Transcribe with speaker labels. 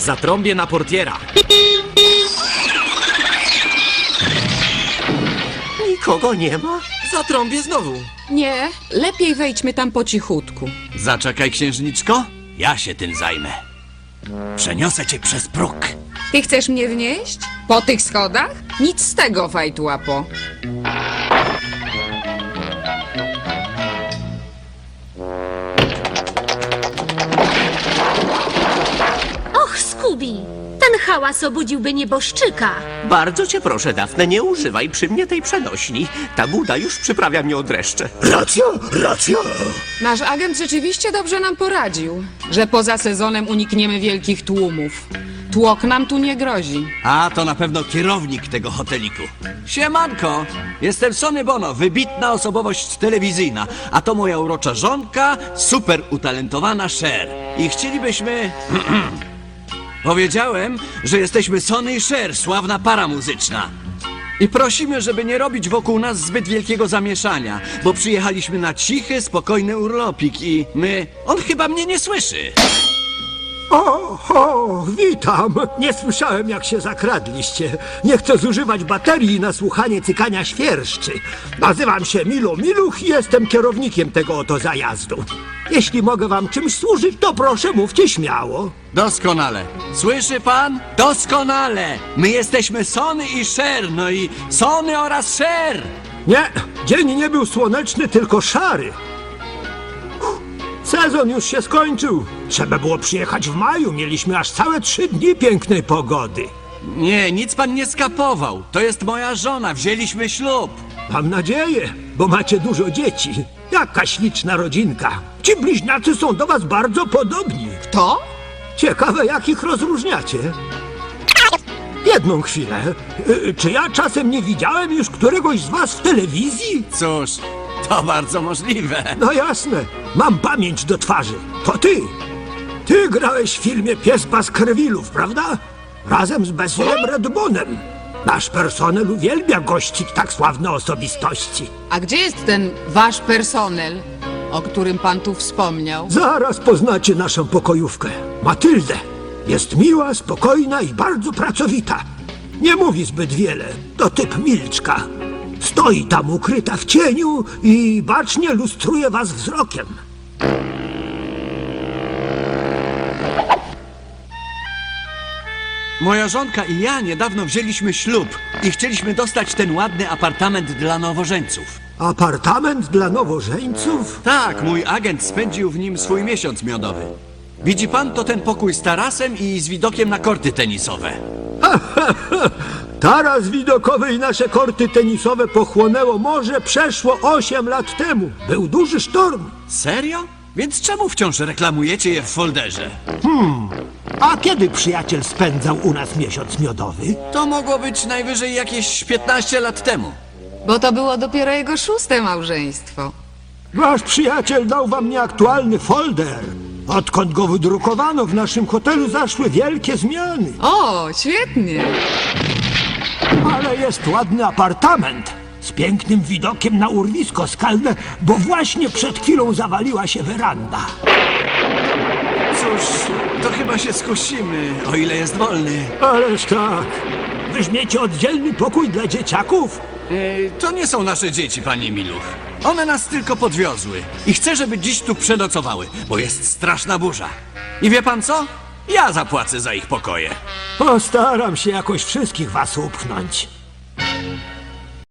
Speaker 1: Zatrąbię na portiera.
Speaker 2: Nikogo nie ma?
Speaker 1: Zatrąbię znowu.
Speaker 3: Nie, lepiej wejdźmy tam po cichutku.
Speaker 4: Zaczekaj, księżniczko. Ja się tym zajmę. Przeniosę cię przez próg.
Speaker 3: Ty chcesz mnie wnieść? Po tych schodach? Nic z tego, fajtłapo.
Speaker 5: Och, Scooby! Ten hałas obudziłby nieboszczyka.
Speaker 2: Bardzo cię proszę, Dafne, nie używaj przy mnie tej przenośni. Ta buda już przyprawia mnie o dreszcze.
Speaker 6: Racja, racja.
Speaker 3: Nasz agent rzeczywiście dobrze nam poradził, że poza sezonem unikniemy wielkich tłumów. Tłok nam tu nie grozi.
Speaker 4: A, to na pewno kierownik tego hoteliku. Siemanko, jestem Sonny Bono, wybitna osobowość telewizyjna. A to moja urocza żonka, super utalentowana Cher. I chcielibyśmy... Powiedziałem, że jesteśmy Sonny i Cher, sławna para muzyczna. I prosimy, żeby nie robić wokół nas zbyt wielkiego zamieszania, bo przyjechaliśmy na cichy, spokojny urlopik i my... On chyba mnie nie słyszy.
Speaker 6: O, witam. Nie słyszałem, jak się zakradliście. Nie chcę zużywać baterii na słuchanie cykania świerszczy. Nazywam się Milo Miluch i jestem kierownikiem tego oto zajazdu. Jeśli mogę wam czymś służyć, to proszę, mówcie śmiało.
Speaker 4: Doskonale. Słyszy pan? Doskonale. My jesteśmy Sonny i Cher, no i Sonny oraz Cher.
Speaker 6: Nie, dzień nie był słoneczny, tylko szary. Sezon już się skończył. Trzeba było przyjechać w maju. Mieliśmy aż całe 3 dni pięknej pogody.
Speaker 4: Nie, nic pan nie skapował. To jest moja żona, wzięliśmy ślub.
Speaker 6: Mam nadzieję, bo macie dużo dzieci. Jaka śliczna rodzinka. Ci bliźniacy są do was bardzo podobni.
Speaker 3: To?
Speaker 6: Ciekawe, jak ich rozróżniacie. Jedną chwilę. Czy ja czasem nie widziałem już któregoś z was w telewizji?
Speaker 4: Cóż, to bardzo możliwe.
Speaker 6: No jasne, mam pamięć do twarzy. To ty. Ty grałeś w filmie Pies Baskervillów, prawda? Razem z Bassilem Redbonem. Nasz personel uwielbia gościć tak sławne osobistości.
Speaker 3: A gdzie jest ten wasz personel, o którym pan tu wspomniał?
Speaker 6: Zaraz poznacie naszą pokojówkę. Matyldę. Jest miła, spokojna i bardzo pracowita. Nie mówi zbyt wiele. To typ milczka. Stoi tam ukryta w cieniu i bacznie lustruje was wzrokiem.
Speaker 4: Moja żonka i ja niedawno wzięliśmy ślub i chcieliśmy dostać ten ładny apartament dla nowożeńców.
Speaker 6: Apartament dla nowożeńców?
Speaker 4: Tak, mój agent spędził w nim swój miesiąc miodowy. Widzi pan, to ten pokój z tarasem i z widokiem na korty tenisowe.
Speaker 6: Taras widokowy i nasze korty tenisowe pochłonęło morze przeszło 8 lat temu. Był duży sztorm.
Speaker 4: Serio? Więc czemu wciąż reklamujecie je w folderze?
Speaker 6: A kiedy przyjaciel spędzał u nas miesiąc miodowy?
Speaker 4: To mogło być najwyżej jakieś 15 lat temu.
Speaker 3: Bo to było dopiero jego 6. małżeństwo.
Speaker 6: Wasz przyjaciel dał wam nieaktualny folder. Odkąd go wydrukowano, w naszym hotelu zaszły wielkie zmiany.
Speaker 3: O, świetnie.
Speaker 6: Ale jest ładny apartament z pięknym widokiem na urwisko skalne, bo właśnie przed chwilą zawaliła się weranda.
Speaker 4: Cóż, to chyba się skusimy, o ile jest wolny.
Speaker 6: Ależ tak. Weźmiecie oddzielny pokój dla dzieciaków?
Speaker 4: To nie są nasze dzieci, panie Miluch. One nas tylko podwiozły i chcę, żeby dziś tu przenocowały, bo jest straszna burza. I wie pan co? Ja zapłacę za ich pokoje.
Speaker 6: Postaram się jakoś wszystkich was upchnąć.